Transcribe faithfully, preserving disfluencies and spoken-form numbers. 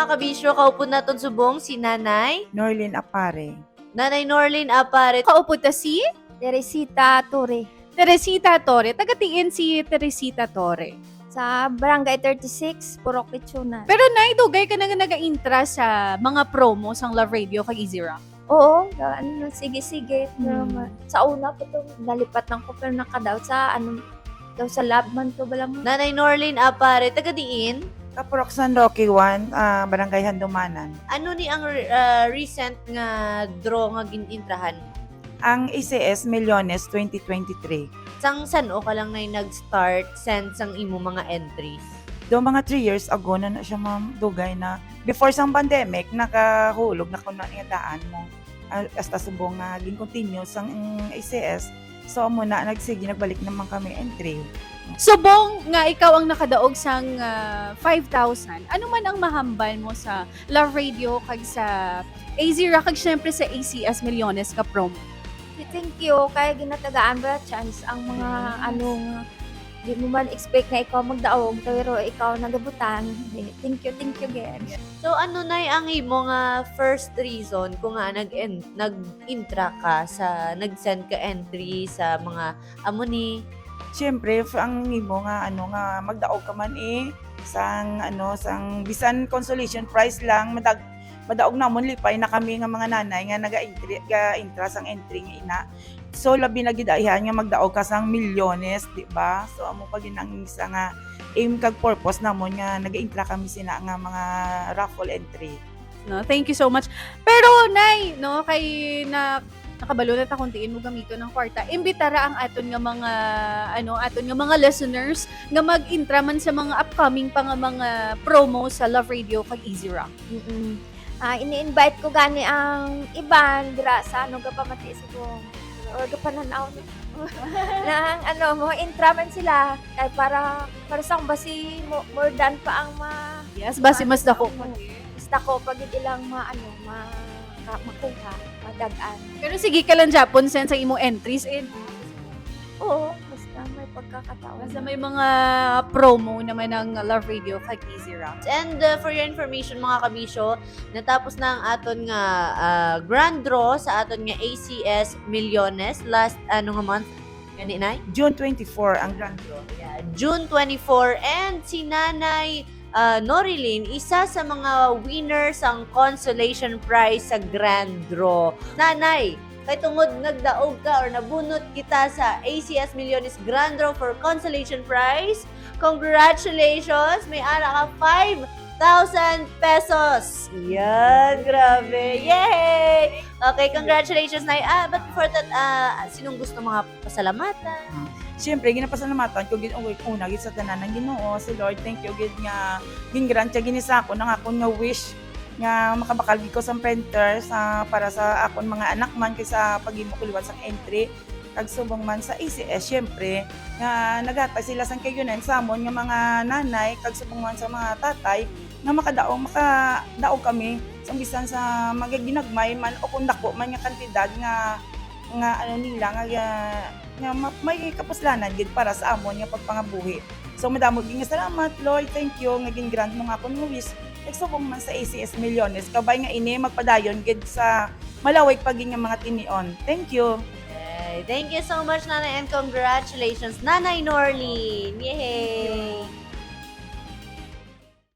mga kabisyo, kaupo naton subong si Nanay. Norlin Apare. Nanay Norlin Apare. Kaupo ta si Teresita Torre Teresita Torre. Tagatiin si Teresita Torre. sa Barangay thirty-six, Purok Kitsunan. Pero nay, dugay ka na nga naga-intra sa mga promo sang Love Radio kag Easy Rock. Oo, ga- ano, sige sige. Pero Hmm. ma- sa una po to nalipat ng ko pero nakadaw sa ano daw sa lab man to bala mo. Nanay Norlin Apare, taga diin. Kapurok San Roque one, ah, Barangay Handumanan. Ano ni ang uh, recent nga draw nga ginintrahan? Ang A C S Millones twenty twenty-three. Sang sano ka lang na nag-start send sang imo mga entries? Do mga three years ago na na siya ma'am dugay na before sang pandemic nakahulog na kuno nga daan mo uh, hasta subong nga gin continue sang A C S. So amo na nagsige nagbalik naman kami entry. Subong nga ikaw ang nakadaog sang ah, five thousand. Ano man ang mahambal mo sa Love Radio kag sa A Z Rock kag syempre sa A C S Millones ka promo? Thank you kay ginatagaan ba chance ang mga ano nga di mo man expect na ikaw magdaog pero ikaw nagabutan. Thank you, thank you again. So ano na ang imo nga first reason kung nga nag nag-intra ka sa nag-send ka entry sa mga amo ni Siyempre, f- ang imo nga ano nga magdaog ka man eh sang ano sang bisan consolation prize lang madag madaog namon lipay na kami nga mga nanay nga naga-entry ga intra sang entry nga ina. So labi na gid ayhan nga magdaog ka sang milyones, di ba? So amo pa ginang isa nga aim kag purpose namon nga naga-intra kami sina nga mga raffle entry. No, thank you so much. Pero nay, no, kay na nakabalo na ta kuntiin mo gamito ng kwarta. Imbitara ang aton nga mga ano, aton nga mga listeners nga mag-intra man sa mga upcoming pa nga mga promo sa Love Radio kag Easy Rock. Mm. Ah, ini-invite ko gani ang iban dira sa ano gapamati siguro. Or gapananaw nang ano mo intraman sila kay para para sang basi mo, more than pa ang ma Yes, basi mas dako. basta ko pag ilang ma ano ma ka- makuha madagan. Pero sige ka lang Japon send sa imong entries in. Oo, basta may pagkakataon. Basta may mga promo naman ng Love Radio kag Easy Rock. And uh, for your information mga kabisyo, natapos na ang aton nga uh, grand draw sa aton nga A C S Millones last ano nga month gani nay? June twenty-fourth ang grand draw. Yeah, June twenty-fourth and si Nanay uh, Norilyn, isa sa mga winners ang consolation prize sa grand draw. Nanay, kay tungod nagdaog ka or nabunot kita sa A C S Millones Grand Draw for consolation prize. Congratulations! May ana ka five thousand pesos. Yan, grabe. Yay! Okay, congratulations, Nay. Ah, but before that, ah, sinong gusto mga pasalamatan? Siyempre, ginapasalamatan ko gid unggoy una gid sa tanan ng Ginoo, si Lord. Thank you gid nga gingrant siya ginisa ko nang akon nga wish nga makabakal gid ko sa printer sa para sa akon mga anak man kay sa paghimo kuliwan sa entry kag subong man sa A C S syempre nga naghatag sila sang kayunan sa amon nga mga nanay kag subong man sa mga tatay nga makadaog makadaog kami sa bisan sa magaginagmay man o kung dako man nga kantidad nga nga ano nila nga nga ma- may kapuslanan gid para sa amon nga pagpangabuhi. So madamo gid nga salamat Lord, thank you nga gingrant mo nga akong wish. Nagsubong man sa A C S Millones kabay nga ini magpadayon gid sa malawig paging nga mga tinion. Thank you. Yay. Thank you so much, Nanay, and congratulations, Nanay Norlyn. Yay!